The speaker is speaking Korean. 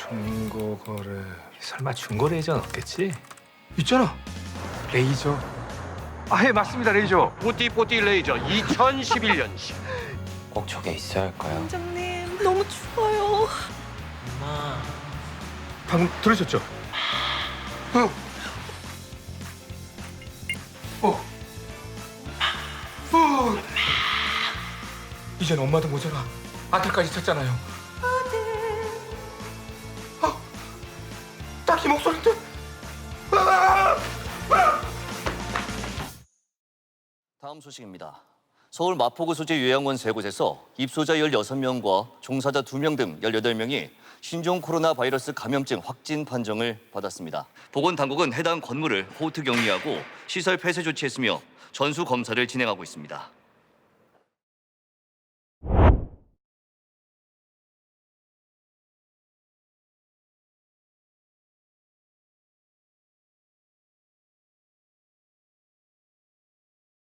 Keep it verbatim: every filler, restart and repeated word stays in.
중고 거래. 설마 중고 레이저는 없겠지? 있잖아. 레이저. 아, 예, 맞습니다. 레이저. 뽀띠뽀띠 레이저 이천십일 년식. 꼭 저게 있어야 할까요? 원장님 너무 추워요. 엄마. 방금 들으셨죠? 어. 어. 어. 이젠 엄마도 모자라. 아들까지 찾잖아요. 아, 딱히 목소리인데. 아! 다음 소식입니다. 서울 마포구 소재 요양원 세 곳에서 입소자 열여섯 명과 종사자 두 명 등 열여덟 명이 신종 코로나 바이러스 감염증 확진 판정을 받았습니다. 보건당국은 해당 건물을 호트 격리하고 시설 폐쇄 조치했으며 전수 검사를 진행하고 있습니다.